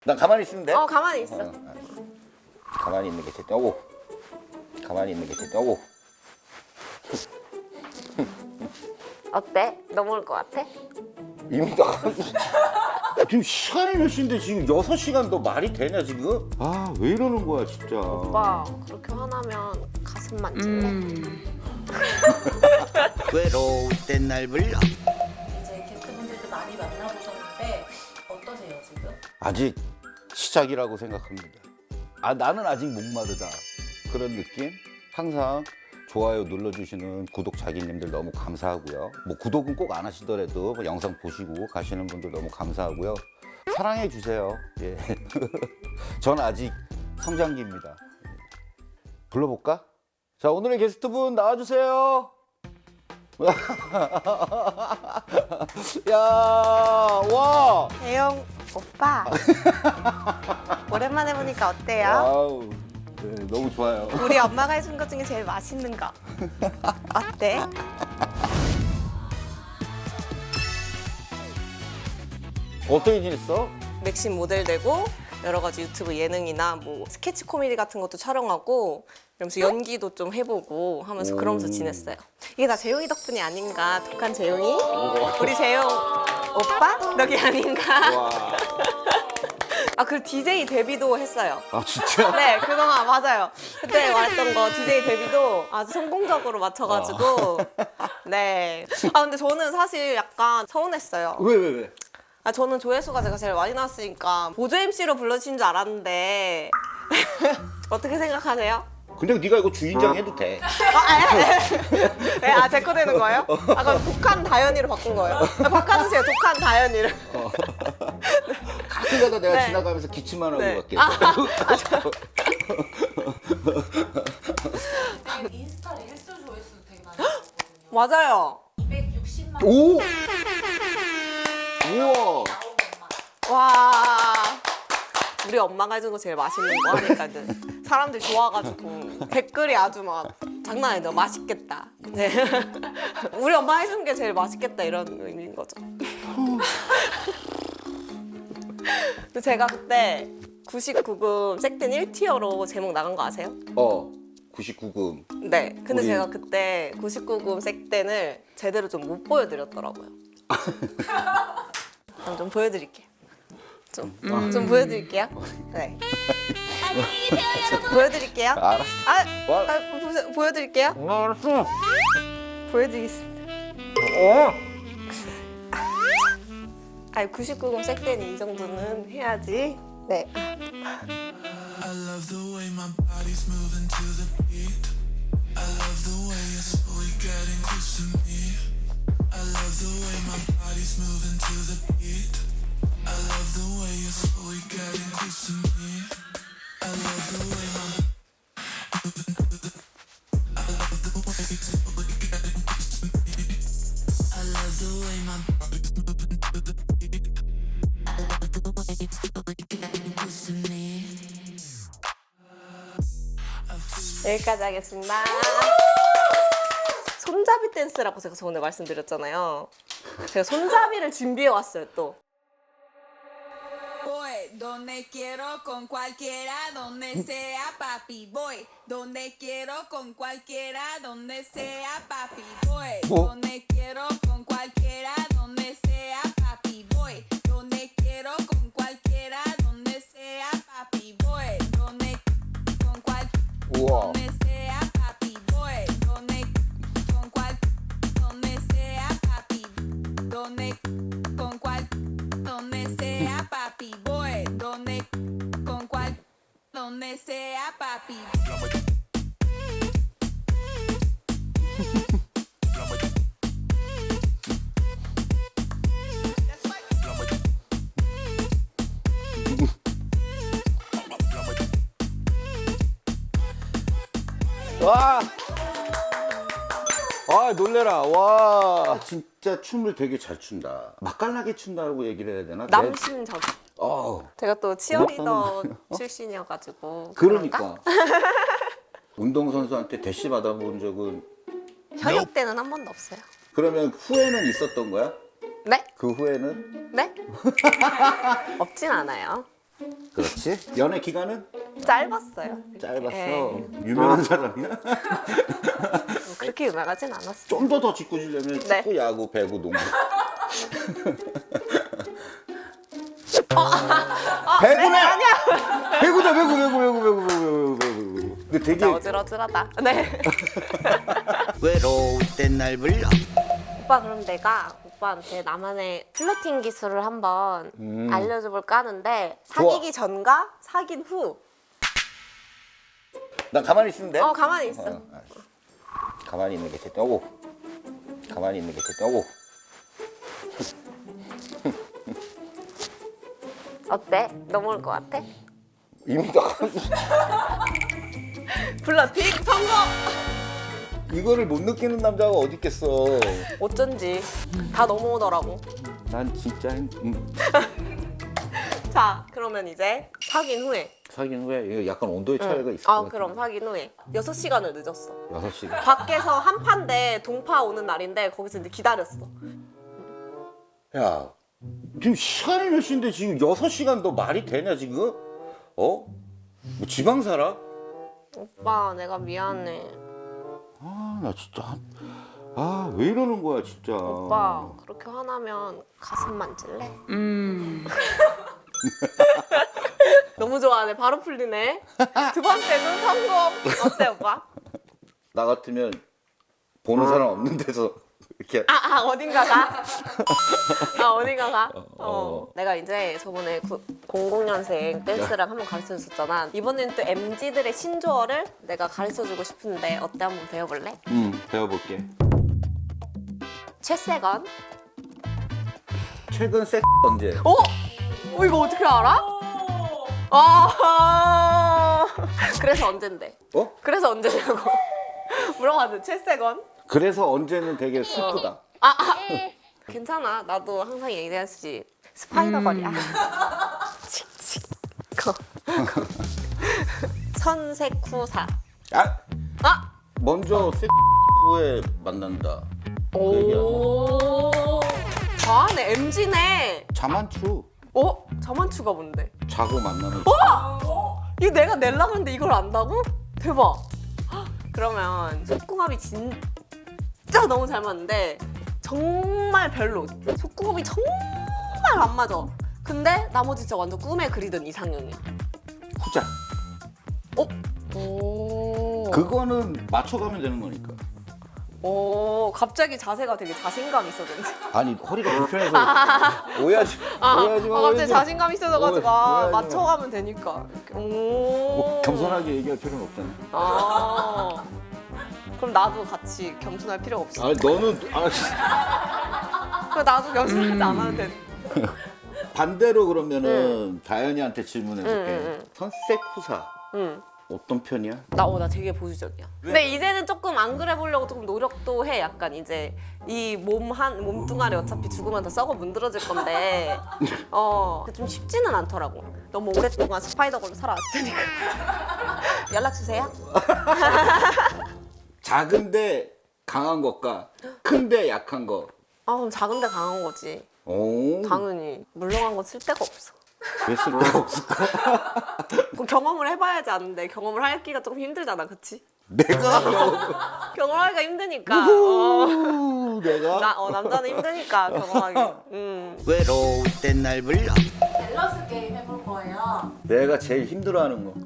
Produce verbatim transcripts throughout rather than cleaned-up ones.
난 가만히 있으면 돼? 어, 가만히 있어. 어, 알았어. 가만히 있는 게 제일 오고. 가만히 있는 게 제일 오고. 어때? 넘어올 것 같아? 이미 다 지금 시간이 몇 시인데 지금 여섯 시간 너 말이 되냐 지금? 아 왜 이러는 거야 진짜. 오빠, 그렇게 화나면 가슴 만질래? 음. 외로울 땐 날 불러. 이제 게스트분들도 많이 만나보셨는데 어떠세요 지금? 아직 시작이라고 생각합니다. 아 나는 아직 목마르다 그런 느낌? 항상 좋아요 눌러주시는 구독 자기님들 너무 감사하고요. 뭐 구독은 꼭 안 하시더라도 영상 보시고 가시는 분들 너무 감사하고요. 사랑해 주세요. 예. 전 아직 성장기입니다. 불러볼까? 자 오늘의 게스트분 나와주세요. 야, 와. 대영 오빠. 오랜만에 보니까 어때요? 와우. 네, 너무 좋아요. 우리 엄마가 해준 것 중에 제일 맛있는 거. 어때? 어떻게 지냈어? 맥심 모델 되고 여러 가지 유튜브 예능이나 뭐 스케치 코미디 같은 것도 촬영하고 이러면서 연기도 좀 해보고 하면서 그러면서 지냈어요. 이게 다 재용이 덕분이 아닌가? 독한 재용이? 우리 재용 오빠 덕이 아닌가? 와. 아, 그 디제이 데뷔도 했어요. 아 진짜? 네, 그동안 맞아요. 그때 말했던 거 디제이 데뷔도 아주 성공적으로 맞춰가지고 네. 아 근데 저는 사실 약간 서운했어요. 왜 왜 왜? 아 저는 조회수가 제가 제일 많이 나왔으니까 보조 엠씨로 불러주신 줄 알았는데 어떻게 생각하세요? 근데 네가 이거 주인장 해도 돼. 아, 네, 아, 제 거 되는 거예요? 아, 그럼 독한 다현이로 바꾼 거예요? 아, 바꿔주세요, 독한 다현이로. 가끔가다 내가 네. 지나가면서 기침만 하고 네. 갈게. 아, 아, 저... 인스타 릴스 조회수 되게 많이 나오거든요. 맞아요. 이백육십만 오! 우와! 와. 우리 엄마가 해준 거 제일 맛있는 거 하니까 이제 사람들이 좋아가지고 댓글이 아주 막 장난 아니다. 맛있겠다. 네. 우리 엄마 해준 게 제일 맛있겠다 이런 의미인 거죠. 근데 제가 그때 구십구 금 색된 일 티어로 제목 나간 거 아세요? 어, 구십구 금. 네. 근데 우리- 제가 그때 구십구 금 색된을 제대로 좀 못 보여드렸더라고요. 그럼 좀 보여드릴게요. 좀, 좀 보여드릴게요. 네. 좀 보여드릴게요. 알았어. 아, 와. 아 보, 보여드릴게요. 알았어. 보여드리겠습니다. 어? 아, 구십구 금 색된이 이 정도는 해야지. 네. I love the way my body's moving to the beat. I love the way you're slowly getting close to me. I love the way my body's moving to the beat. I love the way you're slowly getting close to me. I love the way my moving to the I love the way you're slowly getting close to me. I love the way my body's moving to the beat. I love the way you're slowly getting close to me. 여기까지 하겠습니다. 손잡이 댄스라고 제가 저번에 말씀드렸잖아요. 제가 손잡이를 준비해 왔어요, 또. Voy donde quiero con cualquiera, donde sea papi. Voy donde quiero con cualquiera, donde sea papi. Voy Oh. donde quiero con cualquiera, donde sea papi. Voy donde quiero con cualquiera, donde sea papi. Voy donde con cual 우와. donde sea papi. Voy donde con cual donde sea papi. Donde con cual donde sea papi. Voy donde con cual donde sea papi. 와! 아 놀래라. 와 진짜 춤을 되게 잘 춘다. 맛깔나게 춘다고 얘기를 해야 되나? 남심적. 내- 어. 제가 또 치어리더 고맙다는 출신이어가지고. 그러니까. 운동선수한테 대시 받아본 적은 현역 때는 한 번도 없어요. 그러면 후회는 있었던 거야? 네? 그 후회는? 네? 없진 않아요. 그렇지. 연애 기간은 짧았어요. 짧았어. 네. 유명한 사람이야? 뭐 그렇게 유명하진 않았어. 좀 더 더 짓궂으려면 네. 축구, 야구, 배구, 농구. 배구네! 아니야. 배구다, 배구, 배구, 배구, 배구, 배구, 배구, 배구. 근데 되게 진짜 어질어질하다. 네. 외로울 땐 날 불러. 오빠 그럼 내가 오빠한테 나만의 플러팅 기술을 한번 음. 알려줘볼까 하는데 사귀기 전과 사귄 후. 난 가만히 있으면 돼? 어 가만히 있어. 어, 알았어. 가만히 있는 게 됐다. 오고. 가만히 있는 게 됐다. 오고. 어때? 넘어올 것 같아? 이미 다 플러팅 성공! 이거를 못 느끼는 남자가 어디 있겠어. 어쩐지 다 넘어오더라고. 난 진짜 음, 자 그러면 이제 사귄 후에. 사귄 후에 이거 약간 온도의 차이가 응. 있을 것 아 같아. 그럼 사귄 후에 여섯 시간을 늦었어. 여섯 시간. 밖에서 한파인데 동파 오는 날인데 거기서 이제 기다렸어. 야, 지금 시간이 몇 시인데 지금 여섯 시간 너 말이 되냐 지금? 어? 뭐 지방 살아? 오빠 내가 미안해. 아, 나 진짜 아, 왜 이러는 거야 진짜. 오빠 그렇게 화나면 가슴 만질래? 음. 너무 좋아하네. 바로 풀리네. 두 번째는 성공. 어때 오빠? 나 같으면 보는 사람 없는 데서 이렇게 아, 아 어딘가가? 아 어딘가가? 어. 어. 내가 이제 저번에 구, 공공년생 댄스를 한번 가르쳐줬었잖아. 이번에는 또 엠지들의 신조어를 내가 가르쳐주고 싶은데 어때? 한번 배워볼래? 음, 배워볼게. 최세건. 최근 섹 언제? 어? 어 이거 어떻게 알아? 아 그래서 언젠데? 어? 그래서 언제냐고 물어봤는데 최세건? 그래서 언제는 되게 슬프다. 아, 아. 괜찮아. 나도 항상 얘기하지. 스파이더걸이야. 칙칙. 거. 선색후사. 아, 아! 먼저 섹 후에 만난다. 그 얘기야. 오. 잘하네. 엠지네. 자만추. 어? 자만추가 뭔데? 자고 만나는. 이거 내가 낼라 그랬는데 이걸 안다고? 대박. 헉, 그러면 속궁합이 진짜 너무 잘 맞는데 정말 별로. 속궁합이 정말 안 맞아. 근데 나머지 진짜 완전 꿈에 그리던 이상형이야. 후자. 어? 오. 그거는 맞춰가면 되는 거니까. 오, 갑자기 자세가 되게 자신감 있어졌는데. 아니 허리가 불편해서 오해하지 아, 오해하지 마. 아, 갑자기 오해하지 마. 자신감 있어져가지고 아, 오해하지 마. 맞춰가면 되니까. 오. 뭐 겸손하게 얘기할 필요는 없잖아. 아. 그럼 나도 같이 겸손할 필요가 없어. 아 너는 아, 그럼 나도 겸손하지 않아도 돼. 반대로 그러면은 다현이한테 질문해볼게. 응, 응, 응. 선색 후사 응. 어떤 편이야? 나, 어, 나 되게 보수적이야. 근데 이제는 조금 안 그래 보려고 조금 노력도 해. 약간 이제 이 몸 한 몸뚱아리 어차피 죽으면 다 썩어 문드러질 건데 어, 좀 쉽지는 않더라고. 너무 오랫동안 스파이더걸로 살아왔으니까. 연락 주세요. 작은데 강한 것과 큰데 약한 거. 아, 그럼 작은데 강한 거지. 오. 당연히 물렁한 건 쓸 데가 없어. 왜 쓸데가 없을까? 그 경험을 해봐야지 아는데 경험을 하기가 조금 힘들잖아, 그치? 내가 경험하기가 힘드니까. 어. 우, 내가 나, 어, 남자는 힘드니까 경험하기. 음. 외로울 땐 날 불러. 밸런스 게임 해볼 거예요. 내가 제일 힘들어하는 거.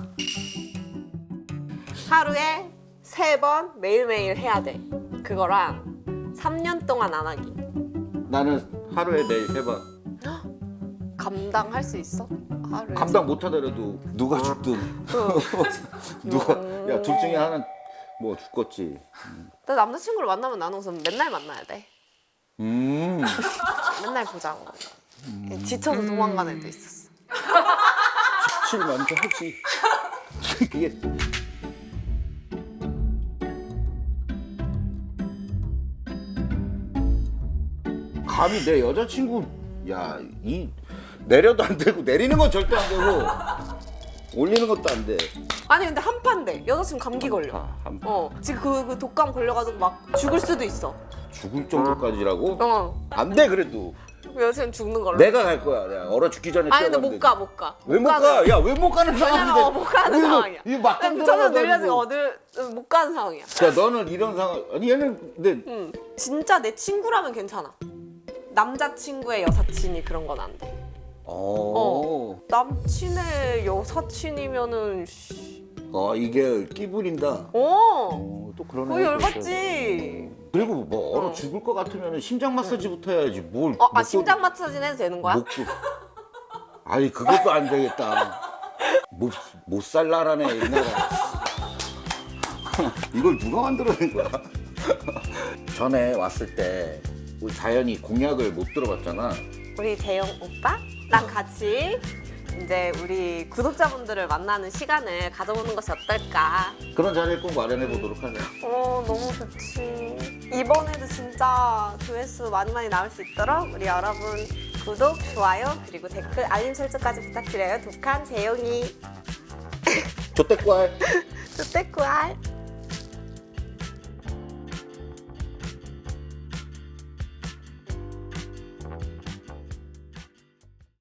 하루에 세 번 매일매일 해야 돼. 그거랑 삼 년 동안 안 하기. 나는 하루에 내일 세 번. 감당할 수 있어? 하루에. 감당 못하더라도 누가 죽든 누가 야 둘 중에 하나 뭐 죽겠지. 나 남자친구를 만나면 나는 우선 맨날 만나야 돼. 음. 맨날 보자고. 지쳐서 도망가는 애도 있었어. 칠 먼저 하지. 이게 감히 내 여자친구 야 이 내려도 안 되고 내리는 건 절대 안 되고 올리는 것도 안 돼. 아니 근데 한파인데 여자친구 감기 걸려. 아, 한 어 지금 그, 그 독감 걸려가지고 막 죽을 수도 있어. 죽을 정도까지라고? 어. 안 돼 그래도. 여자는 죽는 걸로. 내가 갈 거야. 내가 얼어 죽기 전에. 아니 근데 뛰어가면 못 가, 되지. 못 가. 왜 못 가는- 가? 야, 왜 못 가는 상황인데? 왜냐면 못 가는 이거- 상황이야. 이거 막상 저는 들어가가지고. 늘려지고 어딜 못 가는 상황이야. 야, 너는 이런 상황. 아니 얘는 근데 응. 진짜 내 친구라면 괜찮아. 남자친구의 여사친이 그런 건 안 돼. 어. 남친의 여사친이면은 씨. 어, 이게 끼 부린다. 어. 어, 또 그러네. 거의 열받지. 그리고 뭐 얼어 어. 죽을 것 같으면 심장 마사지부터 해야지. 뭘? 어, 아 목도- 심장 마사지는 해도 되는 거야? 목도. 아니 그것도 안 되겠다. 못, 못 살라라네 이 나라. 이걸 누가 만들어낸 거야? 전에 왔을 때 우리 자연이 공약을 못 들어봤잖아. 우리 재영 오빠랑 같이 이제 우리 구독자분들을 만나는 시간을 가져보는 것이 어떨까? 그런 자리를 꼭 마련해 보도록 하자. 어 너무 좋지. 이번에도 진짜 조회수 많이 많이 나올 수 있도록 우리 여러분 구독, 좋아요, 그리고 댓글, 알림 설정까지 부탁드려요. 독한 재영이 조태꾸알. 뚜떼꾸알